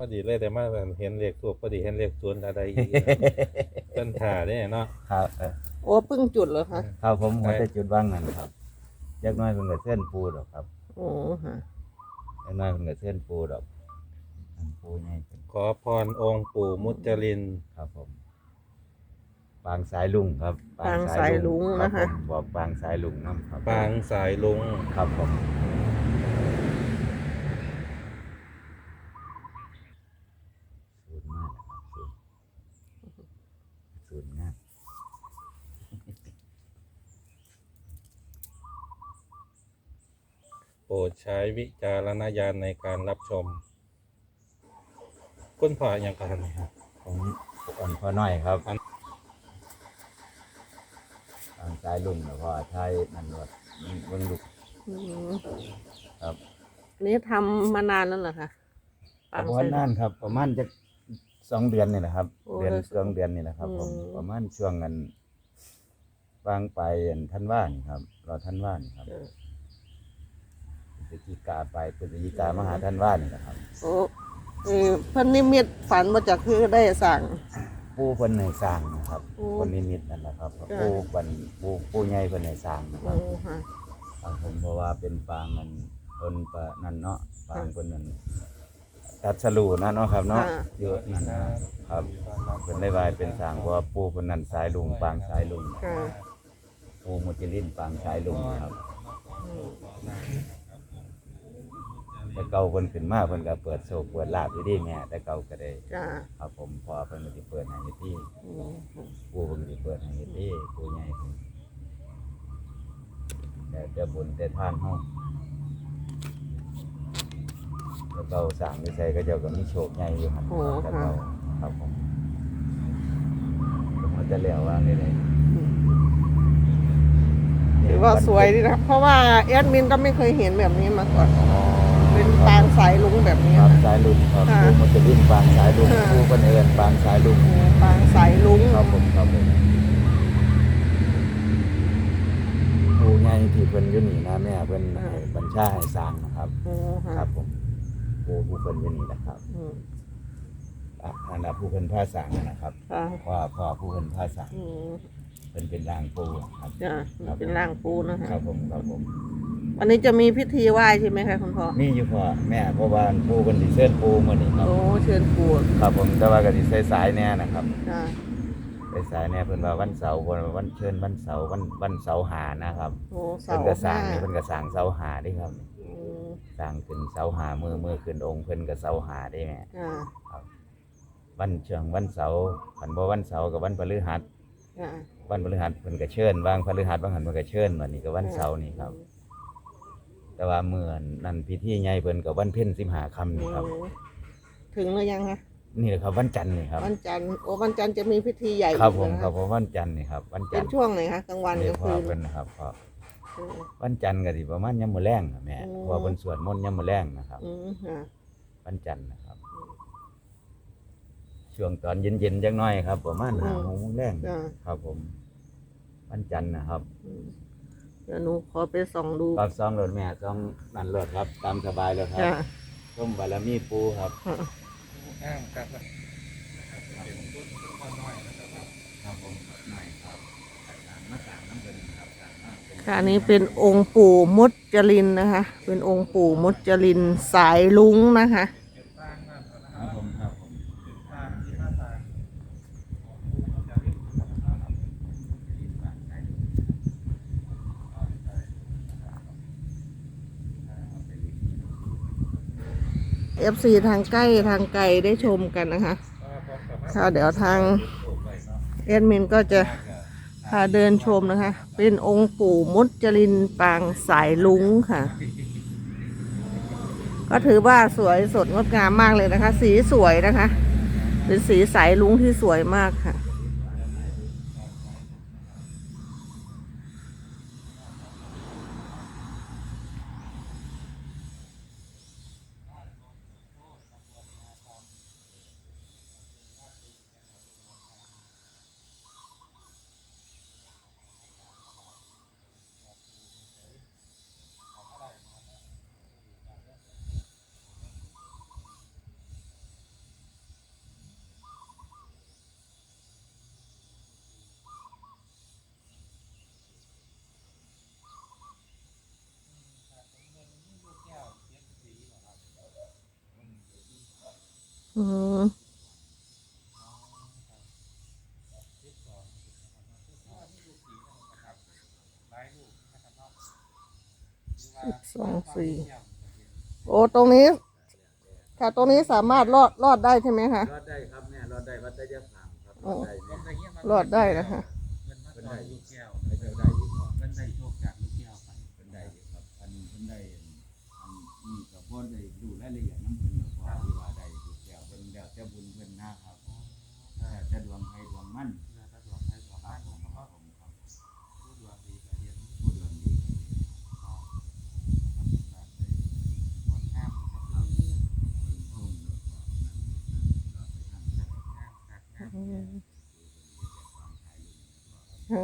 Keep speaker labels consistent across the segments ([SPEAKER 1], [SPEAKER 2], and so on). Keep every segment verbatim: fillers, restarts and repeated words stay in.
[SPEAKER 1] ดีเลยแต่มาเห็นเลขทูปพอดีเห็นเลขศูนย์อะไรอีกเพิ่นถ่าเนี่ยเนาะ
[SPEAKER 2] ครับเออ
[SPEAKER 3] โอ้เพิ่งจุดเหรอคะ
[SPEAKER 2] ครับผมหัวแต่จุดว่างนั่นครับจักหน้อยเพิ่นก็เส้นปูดอกครับ
[SPEAKER 3] โอ้ฮะ
[SPEAKER 2] จักหน้อยเพิ่นก็เส้นปูดอกอันปูใหญ่เป็น
[SPEAKER 1] ขอพรองค์ปู่มุจลิน
[SPEAKER 2] ครับผมปางสายลุงครับ
[SPEAKER 3] ปางสายลุง
[SPEAKER 2] ครับ
[SPEAKER 3] นะคะ
[SPEAKER 2] ผมบอกปางสายลุงนำครับ
[SPEAKER 1] ปางสายลุง
[SPEAKER 2] ครับผมสูตรมากนะครับสูตรสูตรงาม
[SPEAKER 1] โปรดใช้วิจารณญาณในการรับชมคุณพ่ออย่างกันครับ
[SPEAKER 2] ผมอ่อนพอน้อยครับปางสายลุงแล้วก็ไทยนั่นว่าเบิ่งลูก
[SPEAKER 3] อืม
[SPEAKER 2] ครับ
[SPEAKER 3] นี่ทำมานานแล้วเหรอคะปาง
[SPEAKER 2] ประ
[SPEAKER 3] สา
[SPEAKER 2] มาณ
[SPEAKER 3] ย
[SPEAKER 2] นั้นครับ ประมาณจะสองเดือนนี่แหละครับ
[SPEAKER 3] โอ้
[SPEAKER 2] เดือน
[SPEAKER 3] แล้ว
[SPEAKER 2] สองเดือนนี่แหละครับผม
[SPEAKER 3] อืม
[SPEAKER 2] ประมาณช่วงเงินวางไปอันท่านว่านี่ครับรอท่านว่านี่ครับ
[SPEAKER 3] เออ
[SPEAKER 2] พฤศจิกาไปพฤศจิกามาหาท่านว่านี่นะครับ
[SPEAKER 3] โอ้เออเพิ่นนิมิตฝันมาจากคือได้สั่ง
[SPEAKER 2] ปู่เพิ่นให้สร้างนะครับ
[SPEAKER 3] โอ้
[SPEAKER 2] คนนิมิตนั่นแหละครับ
[SPEAKER 3] จ้ะ
[SPEAKER 2] ปู่เพิ่นปู่ปู่ใหญ่เพิ่นให้สร้างนะค
[SPEAKER 3] โอ้
[SPEAKER 2] รับ
[SPEAKER 3] ฮะ
[SPEAKER 2] ครับผมเพราะว่าเป็นปางมันเพิ่นปะนั่นเนาะปางเพิ่นนั่นตัดสรูนะเนาะครับเนาะเยอะนั่นนะครับเพิ่นได้วายเป็นสร้างเพราะว่าปู่เพิ่นนั่นสายลุงปางสายลุง
[SPEAKER 3] ค่ะ
[SPEAKER 2] ปู่มุจลินปางสายลุงครับ
[SPEAKER 3] อืม
[SPEAKER 2] แต่เก่าเพิ่นขึ้นมาเพิ่นก็เปิดโชคเปิดลาภอยู่ดีแม่แต่เก่าก็ได้
[SPEAKER 3] จ้า
[SPEAKER 2] ครับผมพอเพิ่นก็สิเปิดให้อยู่ที่
[SPEAKER 3] อืม
[SPEAKER 2] ปู่เพิ่นสิเปิดให้อยู่ที่ปู่ใหญ่เพิ่นแต่แต่บุญแต่ทานเฮาแต่เก่าสร้างนิสัยก็เจ้าก็มีโชคใหญ่อยู่ครับ
[SPEAKER 3] โอ้
[SPEAKER 2] แต่
[SPEAKER 3] ค่ะ
[SPEAKER 2] เก่าครับผมผมจะแล้วว่าได้เลย
[SPEAKER 3] ถือว่าสวยดีนะเพราะว่าแอดมินก็ไม่เคยเห็นแบบนี้มาก่อน
[SPEAKER 2] อ๋อ
[SPEAKER 3] เป็นปางสายลุงแบบนี้
[SPEAKER 2] ครับ
[SPEAKER 3] ค่ะ
[SPEAKER 2] สายลุงครับ
[SPEAKER 3] ค่ะ
[SPEAKER 2] ปู่มุจลินปางสายลุง
[SPEAKER 3] ค่ะ
[SPEAKER 2] ปู่เพิ่นเอิ้นปางสายลุง
[SPEAKER 3] โอ้ปางสายลุง
[SPEAKER 2] ครับผมครับผมผู้ใหญ่ที่เพิ่นอยู่นี่นะแม่เพิ่นให้บัญชาให้สร้างนะครับ
[SPEAKER 3] โอ้ค่ะ
[SPEAKER 2] ครับผมผู้ผู้เพิ่นอยู่นี่นะครับ
[SPEAKER 3] อืม
[SPEAKER 2] อ่ะอันนั้นผู้เพิ่นพาสร้างนะครับ
[SPEAKER 3] ค่ะ
[SPEAKER 2] พ่อพ่อผู้เพิ่นพาสร้าง
[SPEAKER 3] อืม
[SPEAKER 2] เพิ่นเป็นร่างปู่ครับ
[SPEAKER 3] จ้าเป็นร่างปูนะคะ
[SPEAKER 2] ครับผมครับผม
[SPEAKER 3] วันนี้จะมีพิธีไหว้ใช่ไหมคะคุณพ่อ
[SPEAKER 2] มีอยู่พ่อแม่เพราะว่าปู่เพิ่นสิเชิญปู่มื้อนี้ครับ
[SPEAKER 3] โอ้เชิญปู
[SPEAKER 2] ครับผมแต่ว่าก็สิสายๆแน่นะครับ
[SPEAKER 3] จ้า
[SPEAKER 2] สายๆแน่เพิ่นว่าวันเสาร์เพิ่นว่าวันเชิญวันเสาร์วันวันเสาร์หานะครับ
[SPEAKER 3] โอ้เสา
[SPEAKER 2] เพิ่น
[SPEAKER 3] ร์
[SPEAKER 2] ก็สร้า
[SPEAKER 3] ห้าง
[SPEAKER 2] นี่เพิ่นก็สร้างเสาหาเด้ครับ
[SPEAKER 3] อืม
[SPEAKER 2] สร้างขึ้นเสาหามือมือขึ้นองค์เพิ่นก็เสาหาได้แม่
[SPEAKER 3] จ้า
[SPEAKER 2] ครับวันเชิงวันเสาร์คันบ่วันเสาร์กับวันพฤหัส
[SPEAKER 3] จ้า
[SPEAKER 2] วันพฤหัสเพิ่นก็เชิญวางพฤหัสบางหันเพิ่นก็เชิญวันนี้ก็วันเสาร์นี่ครับ แต่ว่าเมื่อนั้นพิธีใหญ่เพิ่นก็วันเพ็ญสิบห้าค่ำนี่ครับ
[SPEAKER 3] อืมถึงหรือยังคะ
[SPEAKER 2] นี่แหละครับวันจันทร์นี่ครับ
[SPEAKER 3] วันจันทร์โอ้วันจันทร์จะมีพิธีใหญ่
[SPEAKER 2] ครับผม
[SPEAKER 3] อีก
[SPEAKER 2] ครับ
[SPEAKER 3] นะะ
[SPEAKER 2] ผมวันจันทร์นี่ครับวัน
[SPEAKER 3] เป็
[SPEAKER 2] จัน
[SPEAKER 3] น
[SPEAKER 2] ทร์
[SPEAKER 3] ช่วงไหนคะกลางวันก
[SPEAKER 2] นี่
[SPEAKER 3] ลาง
[SPEAKER 2] พ่อ
[SPEAKER 3] คืน
[SPEAKER 2] เพิ่นนะครับพ่อ
[SPEAKER 3] อืม
[SPEAKER 2] วันจันทร์ก็สิประมาณยามมื้อแลงน่ะแม่
[SPEAKER 3] อืม
[SPEAKER 2] เพราะว่าเพิ่นสวดมนต์ยามมื้อแลงนะครับ
[SPEAKER 3] อืมค่ะ
[SPEAKER 2] วันจันทร์นะครับ ช่วงตอนเย็นๆจักหน่อยครับ ประมาณห้าโมงแลง
[SPEAKER 3] จ้า
[SPEAKER 2] ครับผม วันจันทร์นะครับ
[SPEAKER 3] อืมเดี๋ยวหนูขอไปส่องดู
[SPEAKER 2] ครับซองรถแม่ซองนั่นรถครับ ตามสบายเลยครับ
[SPEAKER 3] จ้า
[SPEAKER 2] ส้มบารมีปูครับ
[SPEAKER 3] ค่ะ
[SPEAKER 1] อ้างครับ
[SPEAKER 2] ครับผมหน่อยครับมาสามน้ำเงินครับ
[SPEAKER 3] ค่ะอันนี้เป็นองค์ปู่มุจลินนะคะ เป็นองค์ปู่มุจลินสายลุงนะคะ
[SPEAKER 2] ครับผมครับผม
[SPEAKER 3] เอฟซีทางใกล้ทางไกลได้ชมกันนะคะค่ะเดี๋ยวทางเอดมินก็จะพาเดินชมนะคะ เป็นองค์ปู่มุจลินปางสายลุงค่ะ ก็ถือว่าสวยสดงดงามมากเลยนะคะ สีสวยนะคะ เป็นสีสายลุงที่สวยมากค่ะอืมสิบสองสี่โอ้ตรงนี้ ค่ะ ตรงนี้สามารถรอดรอดได้ใช่ไหมคะ
[SPEAKER 2] รอดได้ครับแม่รอดได้วัดได้ยะผางครับร
[SPEAKER 3] โอ้
[SPEAKER 2] อดได้แม่
[SPEAKER 3] รอดได้นะคะ
[SPEAKER 2] เพิ่นได้ลูกแก้วไม่เจ้าได้อยู่ครับเพิ่นได้โชคจากลูกแก้วไปเพิ่นได้อยู่ครับอันเพิ่นได้อันนี้ก็บ่ได้ดูรายละเอียดนำเพิ่นหรอกว่าที่ว่าได้ลูกแก้วเพิ่นแล้วแต่บุญเพิ่นนะครับแล้วแต่ดวงใครดวงมันแล้วแต่ดวงใครดวงมันผมครับผมครับผู้ดวงดีก็เรียนผู้ดวงดีก็เรียนครับดวงงามครับอืม
[SPEAKER 3] อืมค่ะ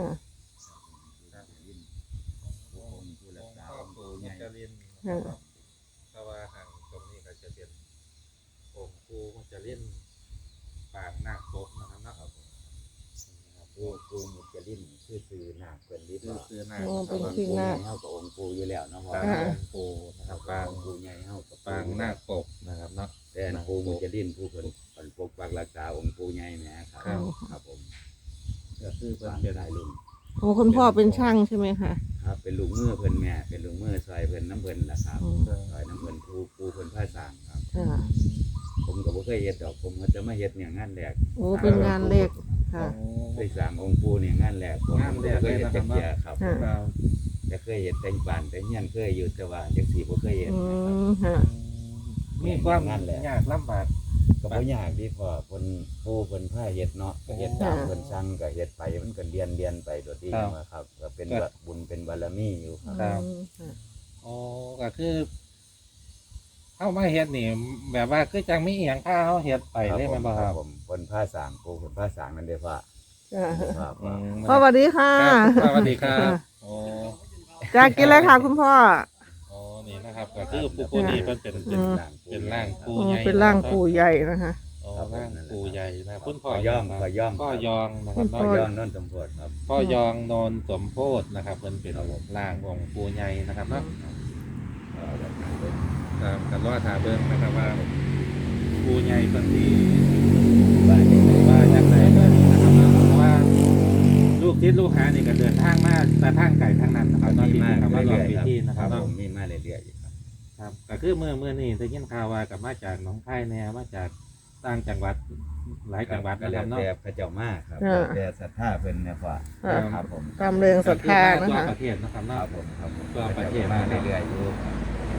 [SPEAKER 1] พ่อปู่มุจลิน
[SPEAKER 3] ค่ะ
[SPEAKER 1] เพราะว่าห่างตรงนี้ก็จะเป็นองค์ปู่มุจลินปางนาคปกนะครับเนาะครับ
[SPEAKER 2] ปูปูมุจลินชื่อซื้อนาคเพิ่นลิ
[SPEAKER 1] คือ
[SPEAKER 2] บ่
[SPEAKER 1] คือนาค
[SPEAKER 3] โอ้
[SPEAKER 1] นะค
[SPEAKER 3] เป็
[SPEAKER 1] รับ
[SPEAKER 3] นชื่อนาค
[SPEAKER 2] เฮากับองค์ปูอยู่แล้วเนาะพ่อ
[SPEAKER 1] ปาง
[SPEAKER 3] ค่ะ
[SPEAKER 1] องค์ปู่นะครับปาง
[SPEAKER 2] องค์ปูใหญ่เฮากับ
[SPEAKER 1] ปางนาคปกนะครับเนาะ
[SPEAKER 2] แต่อันปูมุจลินผู้เพิ่นเพิ่นปกปักรักษาองค์ปูใหญ่แหมครับ
[SPEAKER 1] ครับ
[SPEAKER 2] ครับผม
[SPEAKER 1] ก็คือเป็น
[SPEAKER 2] ปาง
[SPEAKER 1] เป็น
[SPEAKER 2] ได้ลุง
[SPEAKER 3] โอ้คุณพ่อเป็นช่างใช่ไหมคะ
[SPEAKER 2] ครับเป็นลูกมือเพิ่นแม่เป็นลูกมือซอยเพิ่นน้ำเพิ่นล่ะครับ
[SPEAKER 3] อืม
[SPEAKER 2] ซอยน้ำเพิ่นปูปูเพิ่นผ้าสร้างครับ
[SPEAKER 3] ค่ะ
[SPEAKER 2] ผมก็บ่เคยเฮ็ดดอกผมก็จะมาเฮ็ดเนี่ยงานแรก
[SPEAKER 3] โอ้เป็นงานเล็กค่ะ
[SPEAKER 2] เคยสร้างองค์ปูเนี่ยงานแรกผม
[SPEAKER 1] งานแรก
[SPEAKER 2] เคย
[SPEAKER 1] เลย
[SPEAKER 2] เฮ็ด
[SPEAKER 1] นะค
[SPEAKER 2] จั
[SPEAKER 1] รับ
[SPEAKER 2] กเที่ยครับ
[SPEAKER 3] ค่ะ
[SPEAKER 1] ครับ
[SPEAKER 2] แต่เคยเฮ็ดแต่งบ้านแต่เฮียนเคยอยู่แต่ว่าจังซี่บ่เคยเฮ็ด
[SPEAKER 3] อื
[SPEAKER 2] นะครับ
[SPEAKER 3] มค่ะ
[SPEAKER 1] มีความ
[SPEAKER 2] งานแหละ
[SPEAKER 1] ยากลำบาก
[SPEAKER 2] ก็บ่ยากดีพอเพิ่นปูเพิ่นผ้าเฮ็ดเนาะก็เฮ็ดตามเพิ่นสั่งก็เฮ็ดไปมันก็เรียนเรียนไปโดยที่มาครับก็เป็นแบบบุญเป็นบารมีอยู่ครับ
[SPEAKER 3] อืมค่ะ
[SPEAKER 1] โอ้ก็คือเข้ามาเฮ็ดนี่แบบว่าคือจังมีอีหยังพาเฮาเฮ็ดไปเลยแม่นบ่ครับ
[SPEAKER 2] ผมเพิ่นผ้าสร้างปูเพิ่นผ้าสร้างนั่นเด้อพ่อ
[SPEAKER 3] ค่ะ
[SPEAKER 2] ครับ
[SPEAKER 1] อืม
[SPEAKER 3] พ่อสวัสดีค่ะ
[SPEAKER 1] ครับสวัสดีครับโอ้
[SPEAKER 3] จะกินอะไรคะคุณพ่อ
[SPEAKER 1] โอ้นี่นะครับก็คือปู่ปู่นี่เพิ่นเป็นเป็น
[SPEAKER 3] อืม
[SPEAKER 1] เป็นร่างปู่
[SPEAKER 3] โอ้
[SPEAKER 1] ใหญ่
[SPEAKER 3] เป็นร่างปู่ใหญ่นะคะ
[SPEAKER 1] โอ้ร่างปู่ใหญ่นะคุณพ่
[SPEAKER 2] พ่
[SPEAKER 1] อ
[SPEAKER 2] อย่อมพ่อย่อม
[SPEAKER 1] พ่อยองนะครับ
[SPEAKER 3] พ่
[SPEAKER 2] พ่
[SPEAKER 1] เนาะ
[SPEAKER 2] อย่อมนนท์สมโพธิครับ
[SPEAKER 1] พ่อยองโนนสมโพธินะครับเพิ่นเป็นร่างองค์ปู่ใหญ่นะครับเนาะ
[SPEAKER 2] เอาแบบนั้นเด้อ
[SPEAKER 1] ครับกันรอถาเบิ่งนะครับว่าปู่ใหญ่เพิ่นสิ
[SPEAKER 2] ว่าจังได๋
[SPEAKER 1] ว่าจังไดเบิ่งนะครับเนาะเพราะว่าลูกศิษย์ลูกหานี่ก็เดินทางมาแต่ทางไกลทางนั้นนะครับเนาะ
[SPEAKER 2] มี
[SPEAKER 1] ที่
[SPEAKER 2] มา
[SPEAKER 1] คำว่ารอ
[SPEAKER 2] เรื่อย
[SPEAKER 1] พิ
[SPEAKER 2] ๆครับ
[SPEAKER 1] ธีนะ
[SPEAKER 2] ค
[SPEAKER 1] ค
[SPEAKER 2] รั
[SPEAKER 1] รั
[SPEAKER 2] บบ ผ
[SPEAKER 1] เนาะ
[SPEAKER 2] มมีมาเรื่อยๆอยู่ครับ
[SPEAKER 1] ครับก็คือเมื่อเมื่อนี้ได้ยินข่าวว่ากับมาจากหนองคายแน่มาจากต่างจังหวัดหลายจังหวัด
[SPEAKER 2] ก็
[SPEAKER 1] นะค
[SPEAKER 2] แล้
[SPEAKER 1] รั
[SPEAKER 2] ว
[SPEAKER 1] บเนาะ
[SPEAKER 2] แต่พระเจ้ามากครับ
[SPEAKER 3] อ่า
[SPEAKER 2] แต่ศรัทธาเพิ่นเนี่ยพ่อ
[SPEAKER 3] อ่า
[SPEAKER 2] ครับผม
[SPEAKER 3] ตามเรืองศรัทธานะ
[SPEAKER 1] ทั่ว
[SPEAKER 3] คะ
[SPEAKER 1] ประเทศนะครับ
[SPEAKER 2] ค
[SPEAKER 1] เนาะ
[SPEAKER 2] รับผมครับผม
[SPEAKER 1] ทั่วประเทศ
[SPEAKER 2] มาเรื่อยๆอยู่ครับ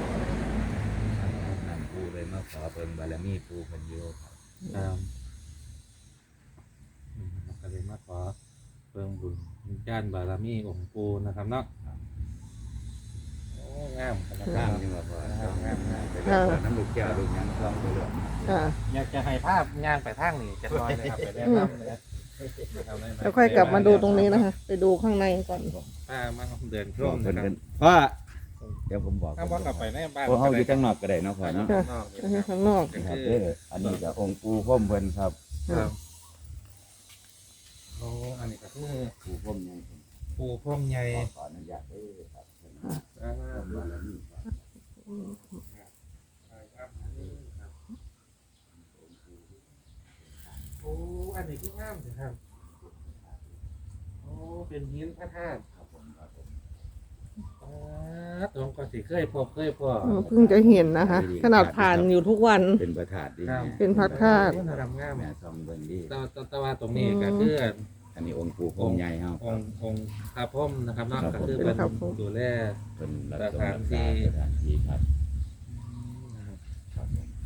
[SPEAKER 2] นั่นปูเลยมาขอเพิ่นบารมีปูเพิ่นอยู่ครับ
[SPEAKER 1] ครับอืมก็เลยมาขอเพิ่งบุญญาณบารมีองค์ปู่นะครับเนาะโอ้งามขนาด
[SPEAKER 2] งาม
[SPEAKER 1] นั้น
[SPEAKER 2] จังว่าพ่อ
[SPEAKER 1] ครับงามงาม
[SPEAKER 2] ไปเรื่อยๆน้ำลูกแก้วลูกหยังคลองไปเรื่อย
[SPEAKER 3] ค่ะ
[SPEAKER 1] อยากจะให้ภาพย่างไปทางนี้จะน้อยเลยครับไปแนะนำเลยนะครับได้ไหม
[SPEAKER 3] แล้วค่อยกลับมาดูตรงนี้นะคะ ไปดูข้างในก่อน
[SPEAKER 1] ป้ามาเดินช
[SPEAKER 2] บอ
[SPEAKER 1] ม
[SPEAKER 2] กเพิ่น
[SPEAKER 1] นะครับ
[SPEAKER 2] เพิ่นพ่อเดี๋ยวผมบอก
[SPEAKER 1] ถ้าว่ากลับไปในบ้าน
[SPEAKER 2] โอ้เฮาอยู่ข้างนอกก็ได้เนาะพ่อเนาะ
[SPEAKER 3] ค่ะ
[SPEAKER 1] นอก
[SPEAKER 3] อันนี้ข้างนอก
[SPEAKER 1] ก็
[SPEAKER 2] ครับ
[SPEAKER 1] คือ
[SPEAKER 2] เด้ออันนี้ก็องค์ปู่พ่อมเพิ่นครับ
[SPEAKER 1] ครับโอ้อันนี้ก็คือ
[SPEAKER 2] ปู่พ่อมยังเพิ่น
[SPEAKER 1] ปูพรมใหญ่
[SPEAKER 2] ขอขออนุญาตเด้อครับเพิ่น
[SPEAKER 1] อ่า
[SPEAKER 2] เพิ่นบารมีครับ
[SPEAKER 1] ครับโอ้อันนี้คืองามเลยครับโอ้เป็นหินพระธาตุ
[SPEAKER 2] ครับผมครับผม
[SPEAKER 1] อ่าตรงก็สิเคยพบเคยพอ
[SPEAKER 3] เออเพิ่งจะเห็นนะคะ ขนาดผ่านอยู่ทุกวัน
[SPEAKER 2] เป็นประธาตุดี
[SPEAKER 1] ครับ
[SPEAKER 2] แม่
[SPEAKER 3] เป็นพระธาตุ
[SPEAKER 1] มันทำงาม
[SPEAKER 2] แม่ซองเบิ่งดี
[SPEAKER 1] แตว่าแต่ว่าตรงนี้ก็คือ
[SPEAKER 2] อันนี้องค์ปู่พ่อมใหญ่เฮาค
[SPEAKER 1] อ
[SPEAKER 2] รับ
[SPEAKER 1] งค์องค์พระพรหมนะครับเนาะ
[SPEAKER 2] ครับ
[SPEAKER 1] ก็คือ
[SPEAKER 2] ผม
[SPEAKER 1] เป็น
[SPEAKER 3] ครับผม
[SPEAKER 1] ดูแล
[SPEAKER 2] เพิ่นรัก
[SPEAKER 1] ส
[SPEAKER 2] ษา
[SPEAKER 1] ถานที่
[SPEAKER 2] สถานที่ครับครับผม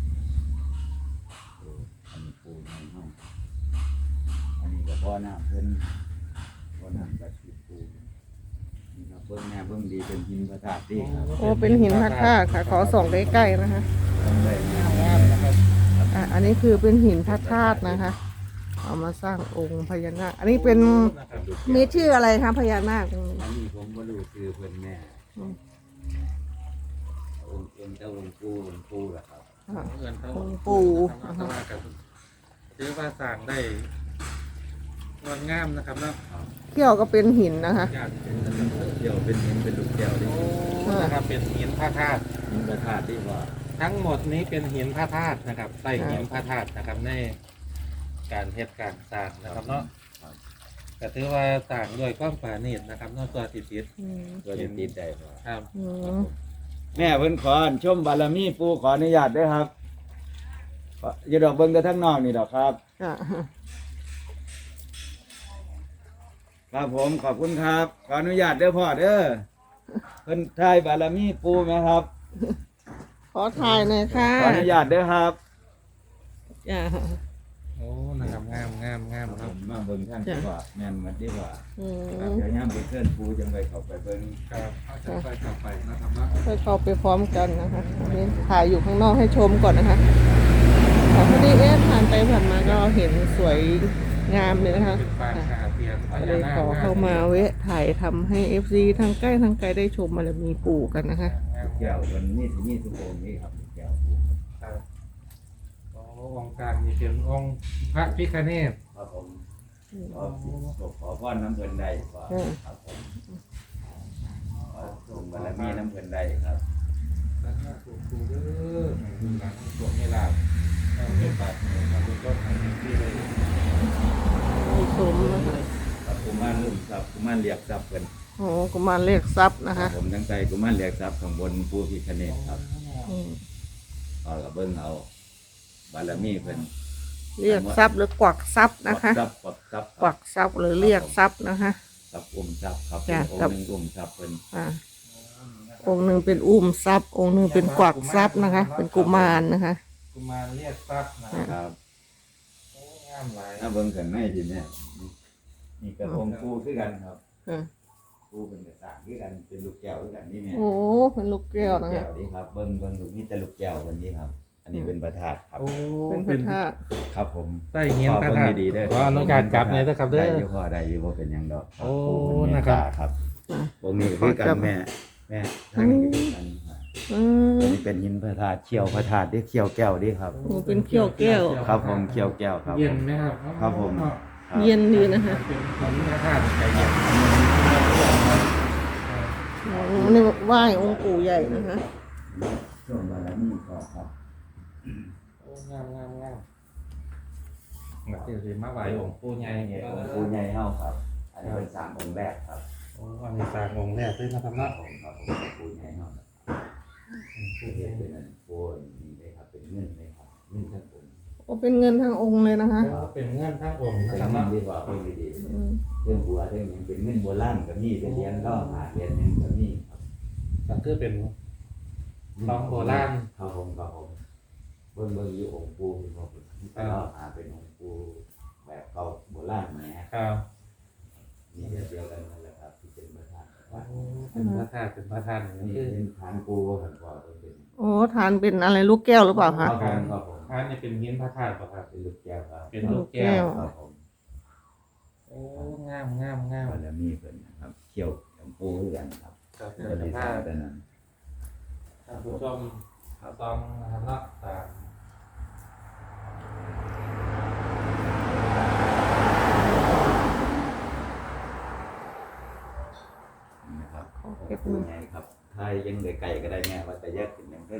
[SPEAKER 2] โอ้อันนี้ปู่ใหญ่เฮาอันนี้ก็พ่อหน้าเพิ่นพ่อหน้าจัดสิบปู่นี่ครับเบิ่งแม่เบิ่งดีเป็นหินพระธาตุดีครับ
[SPEAKER 3] โอ้เป็นหินพระธาตุค่ะ ขอส่องใกล้ๆนะคะ
[SPEAKER 2] เบิ่งได้แม่
[SPEAKER 1] งามนะครับ
[SPEAKER 3] อ่ะอันนี้คือเป็นหินพระธาตุนะคะ เอามาสร้างองค์พญานาค อันนี้เป็น
[SPEAKER 1] นะครับ
[SPEAKER 3] มีชื่ออะไรคะพญานาค
[SPEAKER 2] อันนี้ผมบ่รู้ชื่อเพิ่นแม่
[SPEAKER 3] อืม
[SPEAKER 2] องค์เอ็นเจ้าองค์ปู่องค์ปู่ล่ะครับ
[SPEAKER 3] อ่ะ
[SPEAKER 1] เงินเท่า
[SPEAKER 3] องค์ปู่
[SPEAKER 1] แต่ว่าก็ถือว่าสร้างได้งดงามนะครับเนาะ
[SPEAKER 3] เขี้ยวก็เป็นหินนะคะ
[SPEAKER 1] ญาติ
[SPEAKER 2] เดี๋ยวเป็นหินเป็นลูกแก้วดิ
[SPEAKER 1] โอ้นะครับเป็นหินพระธาตุ
[SPEAKER 2] หินพระธาตุที่ว่า
[SPEAKER 1] คทั้งหมดนี้เป็นหินพระธาตุนะครับใต้หินพระธาตุนะครับในการเฮ็ดการสร้างนะครับเนาะก็ถือว่าสร้างด้วยความปราณีตนะครับเนอกตัวติดติด
[SPEAKER 3] อืม
[SPEAKER 2] ตัวจะติดได้บ่
[SPEAKER 1] ครับ
[SPEAKER 3] อืม
[SPEAKER 2] แม่เพิ่นขอชมบารมีปู่ขออนุญาตด้วยครับขออย่าดอกเบิ่งแต่ทั้งนอกนี่ดอกครับ
[SPEAKER 3] จ้ะ
[SPEAKER 2] ครับผมขอบคุณครับ ขออนุญาตเด้อพ่อเด้อเพิ่นทายบารมีปู่ไหมครับ
[SPEAKER 3] ขอถ่ายหน่อยค่ะ
[SPEAKER 2] ขออนุญาตเด้อครับ
[SPEAKER 3] จ้ะ
[SPEAKER 1] โอ้นะครับงามงามงาม
[SPEAKER 2] ผ
[SPEAKER 1] ครับ
[SPEAKER 2] มมาเบิ่งท่านดีกว่าแม่นเหมือนดีกว่า
[SPEAKER 3] อืม
[SPEAKER 2] ครับเดี๋ยวย่ามไปเชิญปู่จังไปเข้าไปเบิ่ง
[SPEAKER 1] ครับเอาจะไปต่อไปนะครับเนาะ
[SPEAKER 3] ไปเข้าไปพร้อมกันนะคะอันนี้ถ่ายอยู่ข้างนอกให้ชมก่อนนะคะแต่พอดีเอ๊ะผ่านไปผ่านมาก็เห็นสวยงามเลยนะคะ
[SPEAKER 1] เป็นปางคาเทียนพ
[SPEAKER 3] ก็
[SPEAKER 1] ญา
[SPEAKER 3] เลย
[SPEAKER 1] นาค
[SPEAKER 3] ขอเข้ามาเวะถ่ายทำให้ เอฟ ซี ทั้งใกล้ทั้งไกลได้ชมบารมีปู่กันนะคะ
[SPEAKER 1] งาม
[SPEAKER 2] แก้วมันนี่สิมีทุกองค์นี่ครับแก้วปู่
[SPEAKER 1] ครับโอ้องค์กลางนี่เป็นองค์พระพิฆเนศ
[SPEAKER 2] ครับผมขอขอพรน้ำเพิ่นได้ขอครับผมขอส่งบารมีน้ำเพิ่นได้ครับ
[SPEAKER 1] แล้วก็ถูกถูกเด้อดูหลังสวมไม่ลาบเอาเป็นบาทหนึ่งครับเป็นต้นทางที่เลย
[SPEAKER 3] มีชมนะคะ
[SPEAKER 2] ครับกุมารลุ่มทรัพย์กุมารเรียกทรัพย์เพิ่น
[SPEAKER 3] โอ้กุมารเรียกทรัพย์นะคะ
[SPEAKER 2] ผมทั้งใจกุมารเรียกทรัพย์ข้างบนปู่พิฆเนศครับ
[SPEAKER 3] อืม
[SPEAKER 2] เอากับเบิ่งเอาบารมีเพิ่น
[SPEAKER 3] เรียกทรัพย์หรือกวักทรัพย์นะคะ
[SPEAKER 2] ทรัพย์กวักทรัพย์
[SPEAKER 3] กวักทรัพย์หรือเรียกทรัพย์นะคะ
[SPEAKER 2] ทรัพย์อุ้มทรัพย์ครับ
[SPEAKER 3] จ้ะ
[SPEAKER 2] องค์หนึงอุ้มทรัพย์เพิ่น
[SPEAKER 3] อ่าองค์หนึ่งเป็นอุ้มทรัพย์ องค์หนึ่งเป็นกวักทรัพย์นะคะ เป็นกุมารนะคะ
[SPEAKER 1] กุมารเรียกทรัพย์นะครับ โอ้งามหลาย
[SPEAKER 2] ถ้าเบิ่งข้างในทีเนี่ยนี่ก็องค์ปู่คือกันครับ
[SPEAKER 3] อ่า
[SPEAKER 2] ปู่เป็นกระต่างคือกันเป็นลูกแก้วคือกันนี่แม่
[SPEAKER 3] โอ้เป็นลูกแก้วนะ
[SPEAKER 2] ลูกแก้
[SPEAKER 3] คะ
[SPEAKER 2] วนี่ครับเบิ่งเบิ่งลูกนี่แต่ลูกแก้ววันนี้ครับ อันนี้เป็นประธาตครับ
[SPEAKER 1] โอ้
[SPEAKER 3] เป็นพ
[SPEAKER 1] เป็
[SPEAKER 3] ระ
[SPEAKER 1] น
[SPEAKER 3] ธาตุ
[SPEAKER 2] ครับผม
[SPEAKER 1] ใต้เงี้ยนพระ
[SPEAKER 2] เบิ่
[SPEAKER 1] ธาตุ
[SPEAKER 2] งดีๆเด้อ
[SPEAKER 1] ขออนุญาตจับเลยนะครับเด้
[SPEAKER 2] ได้
[SPEAKER 1] อ
[SPEAKER 2] อยู่พอได้อยู่บ่เป็นหยังดอก
[SPEAKER 1] โอ้
[SPEAKER 2] ปู่เมต
[SPEAKER 1] นะครับ
[SPEAKER 2] ตาครับองค์นี้ก็คือกันแม่แม่ทางนี้ก็คือกันครับ
[SPEAKER 3] อืม
[SPEAKER 2] อันนี้เป็นหินพระธาตุเขี้ยวพระธาตุที่เขี้ยวแก้วนี่ครับ
[SPEAKER 3] โอ้เป็นเขี้ยวแก้ว
[SPEAKER 2] ครับผมเขี้ยวแก้วครับ
[SPEAKER 1] เย็นไหมครับ
[SPEAKER 2] ครับผม ครับ
[SPEAKER 3] เย็นดีนะคะ
[SPEAKER 1] เป็นหินพระธาตุใจเย็น
[SPEAKER 3] โอ้นี่ไหว้องค์ปู่ใหญ่นะคะ
[SPEAKER 2] ช่วงบารมีก็ครับ
[SPEAKER 1] โอ้งามงามงามแบบที่สิมาไหวองค์ปู่ใหญ่
[SPEAKER 2] นี่องค์ปู่ใหญ่เฮาครับ อันนี้เป็นสามองค์แรกครับ
[SPEAKER 1] โอ้อันนี้สร้างองค์แรกด้วยนะครับ
[SPEAKER 2] ครั
[SPEAKER 1] เนาะ
[SPEAKER 2] บผมครับผมปู่ใหญ่เฮาครับปู่เฮ็ดเป็นอันโปูนนี่เลยครับเป็นเงินเลยครับเงินทั้งองค์
[SPEAKER 3] โอ้เป็นเงินทั้งองค์เลยนะคะ
[SPEAKER 1] โอ้เป็นเงื่อนทั้งองค์นะ
[SPEAKER 2] เป็น
[SPEAKER 1] ครับ
[SPEAKER 2] เงิน
[SPEAKER 1] เนาะ
[SPEAKER 2] ดีกว่าเพิ่นดี
[SPEAKER 3] อืม
[SPEAKER 2] ๆเรื่องบัวเรื่องหยังเป็นเงินโบราณก็มีเป็นเหรียญก็หาเหรียญหนึงก็มีครับ
[SPEAKER 1] ก็คือเป็น ทองโบราณ
[SPEAKER 2] ครับผมครับผมเบิ่งเบิ่งอยู่องค์ปู่เป็นบ่เป็นก็หาเป็นองค์ปู่แบบเก่าโบราณแหม
[SPEAKER 1] ครับ
[SPEAKER 2] นี่เดียวกันนั่นแหละครับที่เป็นพระธาตุ
[SPEAKER 1] โอ้เป็นพระธาตุเป็นพระธาตุ
[SPEAKER 2] นี่
[SPEAKER 1] คือ
[SPEAKER 2] เป็นฐานปู่ว่าหั่นก่อนเป็น
[SPEAKER 3] โอ้ทานเป็นอะไรลูกแก้วหรือเปล่า
[SPEAKER 2] ครั
[SPEAKER 3] คะ
[SPEAKER 2] บผมครับผม
[SPEAKER 1] พระนี่เป็นหินพระธาตุป่ะครับ
[SPEAKER 2] เป็นลูกแก้วครับ
[SPEAKER 1] เป็นลูกแก้ว
[SPEAKER 2] ครับผม
[SPEAKER 1] โอ้งามงามงาม
[SPEAKER 2] บารมีเพิ่นนะครับเขี่ยวหลวงปู่คือกันครับ
[SPEAKER 1] ครับ
[SPEAKER 2] เพิ่น
[SPEAKER 1] เป็น
[SPEAKER 2] ได้
[SPEAKER 1] พระ
[SPEAKER 2] สร้า
[SPEAKER 1] ธาง ตุ
[SPEAKER 2] แต่นั้น
[SPEAKER 1] ท่านผู้ชมต้องนะครับเนาะตาม
[SPEAKER 2] นะครับ
[SPEAKER 3] เก็บ
[SPEAKER 2] ปู่
[SPEAKER 3] มือ
[SPEAKER 2] ใหญ่ครับถ้ายังเหลือไก่ก็ได้แม่ว่าแต่แยกเป็นอย่างเพิ่น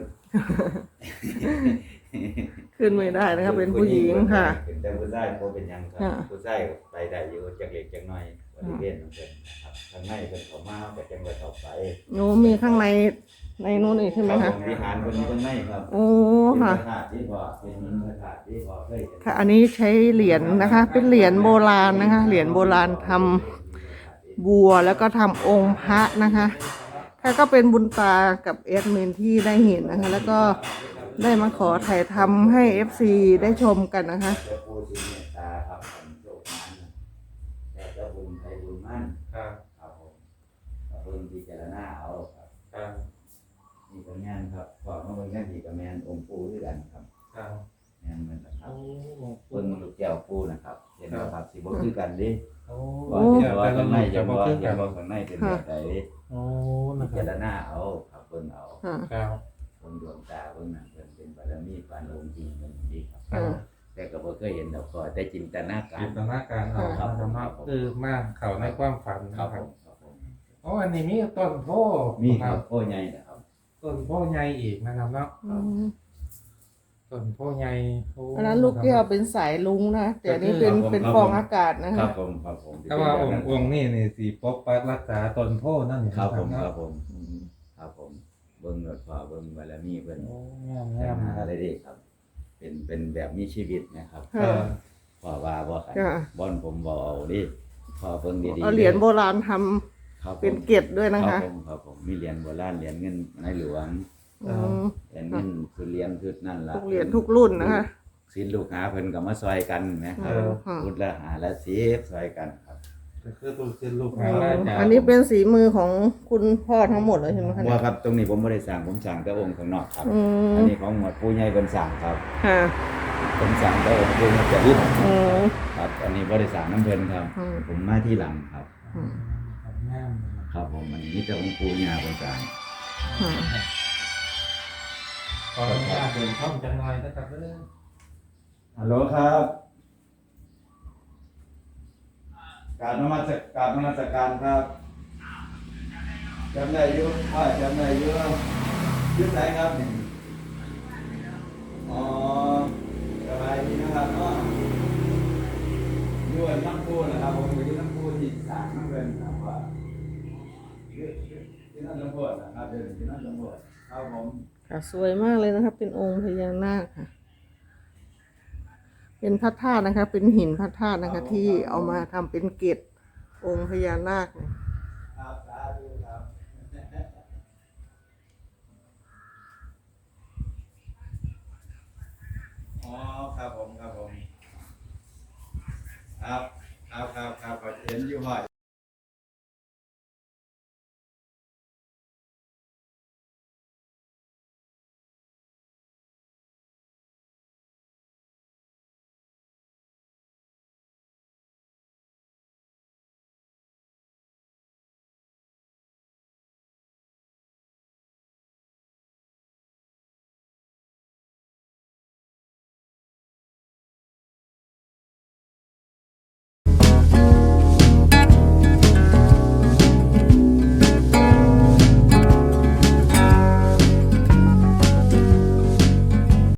[SPEAKER 3] ขึ้นไม่ได้นะคะเป็นผู้หญิงค่ะ
[SPEAKER 2] เป็นแต่ผู้ชายบ่เป็นหยังครับ
[SPEAKER 3] ค่ะ
[SPEAKER 2] ผู้ชายไปได้อยู่จักเล็กจักน้อยบริเวณของเพิ่นนะครับข้างในเพิ่นเข้ามาก็จังไว้เข้าไป
[SPEAKER 3] โอ้มีข้างในในนู้นอีกใช่ไหม
[SPEAKER 2] ครั
[SPEAKER 3] คะ
[SPEAKER 2] บผมวิหารเพิ่นอยู่ข้างในครับ
[SPEAKER 3] โอ้
[SPEAKER 2] เป็น
[SPEAKER 3] ค่ะ
[SPEAKER 2] พระธาตุที่พอเป็นหินพระธาตุที่พอเคยเห็น
[SPEAKER 3] ค่ะ อันนี้ใช้เหรียญนะคะ เป็นเหรียญโบราณนะคะ เหรียญโบราณทำบัวแล้วก็ทำองค์พระนะคะค่ะก็เป็นบุญตากับแอดมินที่ได้เห็นนะคะ แล้วก็ได้มาขอถ่ายทำให้ เอฟ ซี ได้ชมกันนะคะ
[SPEAKER 2] เจ้าปู่ที่เมตตาครับผมโชคมันแต่เจ้าบุญไทยบุญมั่น
[SPEAKER 1] ครับ
[SPEAKER 2] ครับผมก็เพิ่นพิจารณาเอาครับ
[SPEAKER 1] ครับ
[SPEAKER 2] นี่ก็งานครับพอมาเบิ่งกันอีกก็แม่นองค์ปู่ด้วยกันครับ
[SPEAKER 1] ครับ
[SPEAKER 2] แม่นเหมือนกันครั
[SPEAKER 1] โอ้
[SPEAKER 2] บเบิ่งลูกแก้วปู่นะครับเห็นบ่ครับสิบ่คือกันเดิ
[SPEAKER 1] โอ้
[SPEAKER 2] ว่า
[SPEAKER 1] เดี๋
[SPEAKER 2] เดี๋
[SPEAKER 1] ย
[SPEAKER 2] ยว ว
[SPEAKER 1] แต่
[SPEAKER 2] ว่า
[SPEAKER 1] ละ
[SPEAKER 2] ข้าง
[SPEAKER 1] ห
[SPEAKER 2] ใน
[SPEAKER 1] นุ่ม
[SPEAKER 2] จะ
[SPEAKER 1] จะ
[SPEAKER 2] บ่
[SPEAKER 1] บ่คือ
[SPEAKER 2] เห็
[SPEAKER 1] กัน น
[SPEAKER 2] บ่ข้างในเป็นแบบใด
[SPEAKER 1] โอ้
[SPEAKER 2] พิ
[SPEAKER 1] นะค
[SPEAKER 2] จาร
[SPEAKER 1] รับ
[SPEAKER 2] ณาเอาครับเบิ่งเอา
[SPEAKER 3] ค่ะ
[SPEAKER 1] ครับ
[SPEAKER 2] เบิ่งดวงตาเบิ่งนั่นเพิ่นเป็นบารมีปานองค์จริงเพิ่นดีครับ
[SPEAKER 1] ครับ
[SPEAKER 2] แต่ก็บ่เคยเห็นดอกก็แต่จินตนาการ
[SPEAKER 1] จินตนาการเอาครับธรรมะคือมาเข้าในความฝัน
[SPEAKER 2] ครั
[SPEAKER 1] นะ
[SPEAKER 2] บ
[SPEAKER 1] ค
[SPEAKER 2] ผ
[SPEAKER 1] รับ
[SPEAKER 2] มครับผม
[SPEAKER 1] โอ้อันนี้มีต้นโพ
[SPEAKER 2] มีค
[SPEAKER 1] ค
[SPEAKER 2] รั
[SPEAKER 1] รั
[SPEAKER 2] บบ โอ้ใหญ่นะครับ
[SPEAKER 1] ต้ต้นโพใหญ่อีกนะครับเนาะ
[SPEAKER 3] อืม
[SPEAKER 1] ต้นโพใหญ่โ
[SPEAKER 3] อันนั้นลูกแก้วเป็นสายลุงนะแต่อันนี้เป็นเป็นฟองอากาศนะ
[SPEAKER 2] ครั
[SPEAKER 3] คะ
[SPEAKER 2] บผมครับผม
[SPEAKER 1] แต่ว่าองค์องค์นี่นี่สีปกปักรักษาต้นโพนั่นนี่
[SPEAKER 2] ครับผม
[SPEAKER 1] เนาะ
[SPEAKER 2] ครับผมครับผมเบิ่งรถฟ้าเบิ่งบารมีเพิ่น
[SPEAKER 1] โอ้งาม
[SPEAKER 2] แก้
[SPEAKER 1] งาม
[SPEAKER 2] หาอะไรดีครับ เป็นเป็นแบบมีชีวิตนะครับ
[SPEAKER 1] เอ
[SPEAKER 3] ค่ะ
[SPEAKER 1] อ
[SPEAKER 2] พ่อว่าบ่ขัน
[SPEAKER 3] จ้ะ
[SPEAKER 2] บ่อนผมบ่เอาดิพ่อเบิ่งดีๆ
[SPEAKER 3] เอาเหรียญโบราณทำ
[SPEAKER 2] ครับผม
[SPEAKER 3] เป็นเกล็ดด้วยนะ
[SPEAKER 2] ครั
[SPEAKER 3] คะ
[SPEAKER 2] บผมครับผมมีเหรียญโบราณเหรียญเงินในหลวง
[SPEAKER 3] อืม
[SPEAKER 2] เหรียญเงินคือเหรียญคือนั่นล่ะ
[SPEAKER 3] ทุกเหรียญทุกรุ่นนะคะ
[SPEAKER 2] ศิลลูกหาเพิ่นก็มาซอยกันนะครับ
[SPEAKER 3] เออค่ะ
[SPEAKER 2] พุทธละหาละสิบซอยกันครับ
[SPEAKER 1] ก็คือตัวเป็นลูก
[SPEAKER 3] อื
[SPEAKER 1] หาม ราชา
[SPEAKER 3] อันนี้เป็นสีมือของคุณพ่อทั้งหมดเลยใช่ไหมคะเนี่
[SPEAKER 2] ว่าย ครับตรงนี้ผมบ่ได้สร้างผมสร้างแต่องค์ข้างนอกครับ
[SPEAKER 3] อืม
[SPEAKER 2] อันนี้ของหมวดปู่ใหญ่เพิ่นสร้างครับ
[SPEAKER 3] ค่ะ
[SPEAKER 2] ผมสร้างแต่องค์ปู่มันจะดิ้น
[SPEAKER 3] อืม
[SPEAKER 2] ครับ อันนี้บ่ได้สร้างน้ำเพิ่นครับ
[SPEAKER 3] อืม
[SPEAKER 2] ผมมาที่หลังครับ
[SPEAKER 3] อืม
[SPEAKER 1] งาม
[SPEAKER 2] ครับผมอันนี้มีแต่องค์ปู่ย่าเพิ่นสร้าง
[SPEAKER 3] ค่ะ
[SPEAKER 1] ขออนุญาตเดินช่องจังไรนะครับเด้อ
[SPEAKER 2] ฮัลโหลครับกราบนมัสกราบนมัสการครับจำได้อยู่ว่าจำได้อยู่อยุ่ไหนครับนี่อ๋อสบายดีนะครับเนาะอยู่น้ำพุนะครับผมอยู่น้ำพุที่สามน้ำเงินครับว่าอยู่ที่นั่นน้ำพุนะครับเดินที่นั่นน้ำพุครับผม
[SPEAKER 3] ค่ะสวยมากเลยนะคะ เป็นองค์พญานาคค่ะ เป็นพระธาตุนะคะ เป็นหินพระธาตุนะคะ ที่เอามาทำเป็นเกล็ดองค์พญานาคเนี่ย
[SPEAKER 2] ครับสาธุครับอ๋อครับผมครับผมครับครับครับครับเห็นอยู่บ่อย